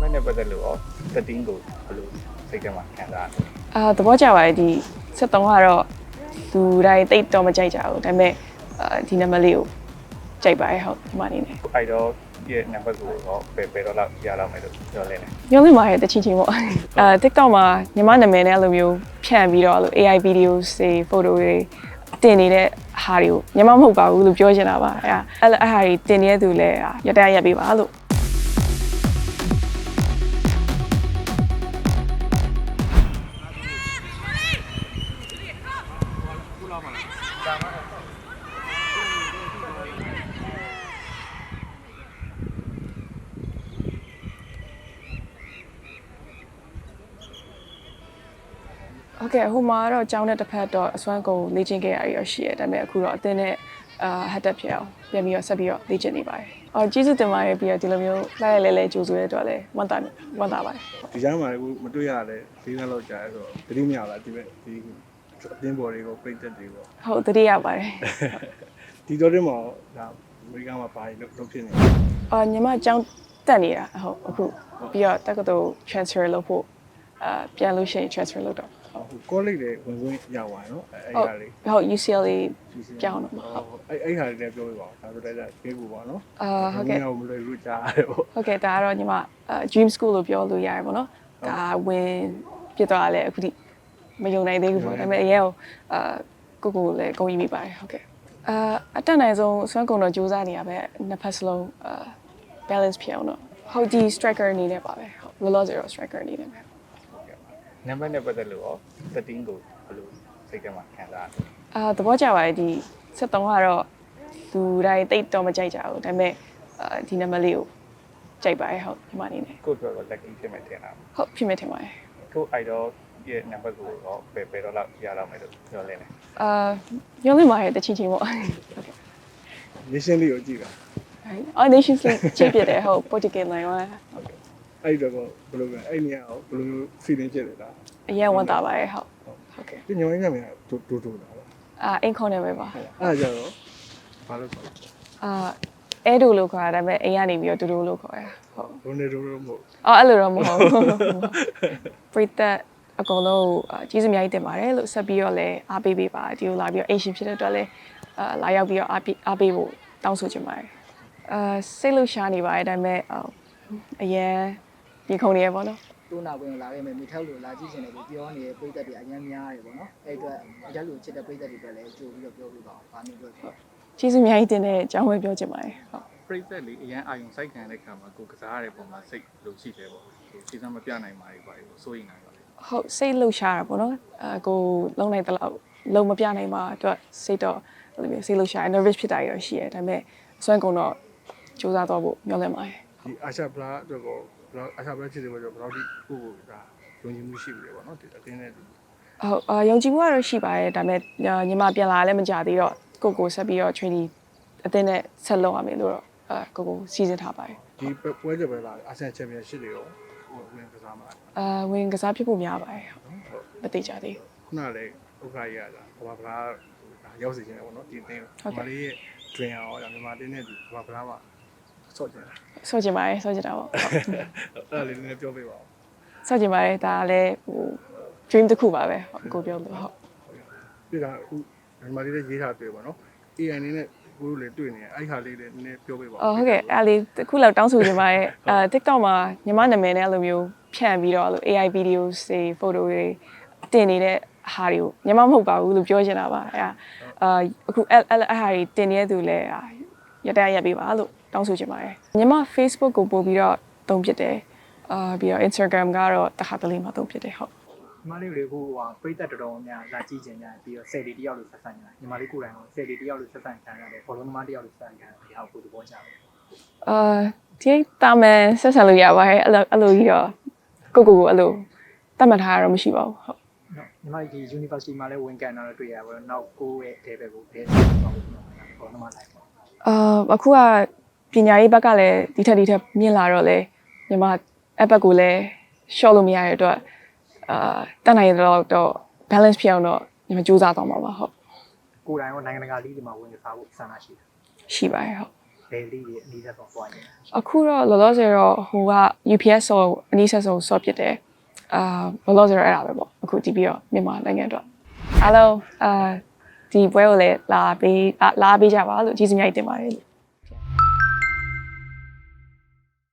မနဲ့ပတ်သက်လို့ရော13ကိုဘယ်လိုစိတ်ထဲမှာခံစားရလဲသဘောကျပါတယ်ဒီ73ကတော့လူတိုင်းတိတ်တော့မကြိုက်ကြဘူးဒါပေမဲ့ဒီနံပါတ်လေးကိုကြိုက်ပါတယ်ဟုတ်ဒီမှာနေနေအဲ့တော့ရဲ့နံပါတ်ကိုရောဘယ်တော့လောက်ရလောက်မယ်လို့ပြောလဲညောင်းနေပါရဲ့တချင်းချင်းပေါ့TikTok မှာညီမနာမည်နဲ့အဲ့လိုမျိုးဖြန့်ပြီးတော့အဲ့လို AI videos တွေ photo တွေတင်နေတဲ့ဟာတွေကိုညီမမဟုတ်ပါဘူးလို့ပြောချင်တာပါအဲ့ဟာတွေတင်နေတဲ့သူလည်းရတရက်ပေးပါလို့โอเคဟိုမှာတော့ကျောင်းတဲ့တစ်ဖက်တော့အစွမ်းကုန်လေ့ကျင့်ခဲ့ရရရှိရတယ်ဒါပေမဲ့အခုတော့အသင်းနဲ့ဟတ်တက်ဖြစ်အောင်ပြန်ပြီးတော့ဆက်ပြီးတော့လေ့ကျင့်နေပါတယ်ကျေးဇူးတင်ပါတယ်ပြီးတော့ဒီလိုမျိုးလိုက်ရလဲကြိုးဆိုရတဲ့အတွက်လည်းဝမ်းသာပါတယ်ဒီကြားမှာအခုမတွေ့ရလဲ၄နှစ်လောက်ကြာဆိုတော့တတိမရလားဒီအသင်းပေါ်တွေကိုပြိတက်တွေပေါ့ဟုတ်တတိရပါတယ်ဒီတော့တင်မှာဒါအမေရိကန်မှာဘာလို့ဖြစ်နေညီမကျောင်းတက်နေတာဟုတ်အခုပြီးတော့တက္ကသိုလ် transfer လုပ်ဖို့ပြန်လို့ရှိရင် transfer လုပ်တော့ college တွေဝင်ခွင့်ရသွားနော်အဲ့ဟာလေးဟုတ် UCLA ကျောင်းတော့ဟုတ်အဲ့ဟာလေးလည်းပြောပြပါဦးဒါဆိုတော့ကျေးဇူးပါနော်ဟုတ်ကဲ့မလွယ်ဘူးကြားရတယ်ပေါ့ဟုတ်ကဲ့ဒါကတော့ညီမ dream school လို့ပြောလို့ရတယ်ပေါ့နော်ဒါဝင်ပြသွားလဲအခုထိမယုံနိုင်သေးဘူးပေါ့ဒါပေမဲ့အရင်ကိုလည်းဂုဏ်ယူမိပါတယ်ဟုတ်ကဲ့အတက်နိုင်ဆုံးစွမ်းကုန်တော့စူးစမ်းနေရပဲနှစ်ဖက်စလုံး balance ဖြစ်အောင်တော့ဟုတ်ဒီ striker အနေနဲ့ပါပဲဟုတ်လောလောဆယ်တော့ striker အနေနဲ့ပဲနံပါတ်နဲ့ပတ်သက်လို့ရော13ကိုဘယ်လိုစိတ်ထဲမှာခံစားရလဲသဘောကျပါတယ်ဒီ73ကတော့လူတိုင်းတိတ်တော့မကြိုက်ကြဘူးဒါပေမဲ့ဒီနံပါတ်လေးကိုကြိုက်ပါတယ်ဟုတ်ဒီမှာနေနေကိုပြောတော့ lucky ဖြစ်မယ်ထင်တာဟုတ်ဖြစ်မယ်ထင်ပါတယ်ကိုအဲ့တော့ရဲ့နံပါတ်ကိုရောဘယ်တော့လောက်ရလောက်မယ်လို့ပြောလဲညောင်းနေပါရဲ့တချင်းချင်းပေါ့ဟုတ်ကဲ့ nation လေးကိုကြည့်တာ Nations League ကြည့်ပြတယ်ဟုတ် Portugal နိုင်ပါဟုတ်ကဲ့အဲ့တော့ဘယ်လိုလဲအဲ့နေရာကိုဘယ်လို feeling ဖြစ်လဲလားအရင်ဝန်တာပါရဲ့ဟုတ်ကဲ့ဒီညောင်းရင်းကမြန်တိုးတာပါအင်ခွန်နေပဲပါအဲ့ကြတော့ဘာလို့ခေါ်လဲအဲဒိုလို့ခေါ်တာဒါပေမဲ့အိမ်ကနေပြီးတော့ဒိုလို့ခေါ်ရဟုတ်ဘုန်းနေဒိုလို့မဟုတ်အဲ့လိုတော့မဟုတ်ပရိသတ်အကုန်လုံးကျေးဇူးအများကြီးတင်ပါတယ်လို့ဆက်ပြီးတော့လည်းအားပေးပါဒီလိုလာပြီးတော့အိမ်ရှင်ဖြစ်တဲ့အတွက်လည်းလာရောက်ပြီးတော့အားပေးဖို့တောင်းဆိုချင်ပါတယ်စိတ်လှရှားနေပါတယ်ဒါပေမဲ့အရင်ပြင်ခုန်နေရပေါ့နော်တိုးနာဝင်လာခဲ့မယ်မိထောက်လို့လာကြည့်ချင်တယ်လို့ပြောနေတဲ့ပြည်သက်တွေအများများတယ်ပေါ့နော်အဲ့အတွက်အကြလို့ချစ်တဲ့ပြည်သက်တွေပဲလည်းကြိုပြီးတော့ပြောပြပါအောင်ဗာမျိုးပြောချင်ကျေးဇူးအများကြီးတင်တဲ့အကြောင်းပဲပြောချင်ပါတယ်ဟုတ်ပြိသက်လေးအရန်အာယုံစိုက်ခံတဲ့ခါမှာကိုကစားရတဲ့ပုံမှာစိတ်လို့ရှိတယ်ပေါ့ခြေစမ်းမပြနိုင်ပါဘူးပေါ့စိုးရိမ်နိုင်ပါလေဟုတ်စိတ်လှရှားတာပေါ့နော်ကိုလုံးနိုင်တဲ့လောက်လုံးမပြနိုင်ပါအတွက်စိတ်တော့အဲ့လိုမျိုးစိတ်လှရှား nervous ဖြစ်တာရရှိရတယ်ဒါပေမဲ့အစွမ်းကုန်တော့စူးစမ်းတော့ဖို့မျှော်လင့်ပါတယ်ဒီအာရှပလာအတွက်ကိုအာရှပလာချစ်တယ်ဆိုတော့ဘယ်လောက်ထိကိုဒါယုံကြည်မှုရှိပြီလေပေါ့နော်ဒီအတင်းနဲ့ဟုတ်ယုံကြည်မှုကတော့ရှိပါတယ်ဒါပေမဲ့ညီမပြန်လာလည်းမကြသေးတော့ကိုဆက်ပြီးတော့ training အတင်းနဲ့ဆက်လုပ်ရမယ်လို့တော့ကိုစီစဉ်ထားပါတယ်ဒီပွဲကြပဲလားအာဆီယံချန်ပီယံရှစ်တွေရောဝင်ကစားမှာဝင်ကစားဖြစ်ဖို့များပါတယ်ဟုတ်မသိကြသေးခုနလည်းဥက္ခရရတာဘာဗလားရောက်စီခြင်းတယ်ပေါ့နော်ဒီအတင်းမြန်မာလေးရဲ့ dream ရောမြန်မာတင်းနဲ့ဒီဘာဗလားမှာဆော့ကျင်ပါတယ်ဆော့ကျင်တာပေါ့အဲ့လေးနည်းနည်းပြောပြပါဦးဆော့ကျင်ပါတယ်ဒါလည်းဟို dream တစ်ခုပါပဲကိုပြောလို့ဟုတ်ဒီကမြန်မာလေးရေးထားတွေ့ပါနော် AI နဲ့ကိုတို့လည်းတွေ့နေအဲ့ဟာလေးလည်းနည်းနည်းပြောပြပါဦးဟုတ်ကဲ့အဲ့လေးတစ်ခုလောက်တောင်းဆိုချင်ပါတယ်TikTok မှာညီမနာမည်နဲ့အဲ့လိုမျိုးဖြန့်ပြီးတော့အဲ့လို AI videos တွေ photo တွေတင်နေတဲ့ဟာတွေကိုညီမမဟုတ်ပါဘူးလို့ပြောချင်တာပါအခုအဲ့ဟာတွေတင်နေတဲ့သူလည်းရတရက်ပေးပါလို့တောင်းဆိုချင်ပါတယ်ညီမ Facebook ကိုပို့ပြီးတော့သုံးဖြစ်တယ်ပြီးတော့ Instagram ကတော့တခါတလေမှသုံးဖြစ်တယ်ဟုတ်ညီမလေးတွေကိုပြိသက်တော်တော်များလာကြည့်ချင်ကြပြီးတော့ဆယ်လီတယောက်လို့ဆက်ဆံကြတယ်ညီမလေးကိုယ်တိုင်ဆယ်လီတယောက်လို့ဆက်ဆံကြတယ်ဘောလုံးသမားတယောက်လို့ဆက်ဆံကြတယ်ဒီဟာကိုသဘောကျတယ်ဒီတာမန်ဆက်ဆံလို့ရပါတယ်အဲ့လိုကြီးတော့ကိုအဲ့လိုတတ်မှတ်ထားတာတော့မရှိပါဘူးဟုတ်ညီမဒီ University မှာလည်းဝင်ကန်တာတော့တွေ့ရပါတော့နောက်ကိုယ့်ရဲ့ level ကိုဘယ်ဆက်သွားလို့ဘောလုံးသမားလိုက်ပါအခုကပညာရေးဘက်ကလည်းဒီထက်မြင့်လာတော့လေညီမအဘက်ကိုလည်း short လို့မရတဲ့အတွက်တတ်နိုင်တော့ balance ဖြစ်အောင်တော့ညီမစူးစမ်းသွားမှာပါဟုတ်ကိုယ်တိုင်ရောနိုင်ငံတကာလီးတွေမှာဝင်ကစားဖို့ဆန္ဒရှိတယ်ရှိပါတယ်ဟုတ်ဘယ်လိတွေအနည်းဆုံးသွားနေလဲအခုတော့လောလောဆယ်တော့ဟိုက UPS ဆိုအနည်းဆက်ဆုံးဆော့ဖြစ်တယ်လောလောဆယ်တော့အဲ့ဒါပဲပေါ့အခုကြည့်ပြီးတော့မြန်မာနိုင်ငံအတွက်အားလုံးဒီပွဲကိုလည်းလာပေးကြပါလို့ကျေးဇူးများတင်ပါတယ်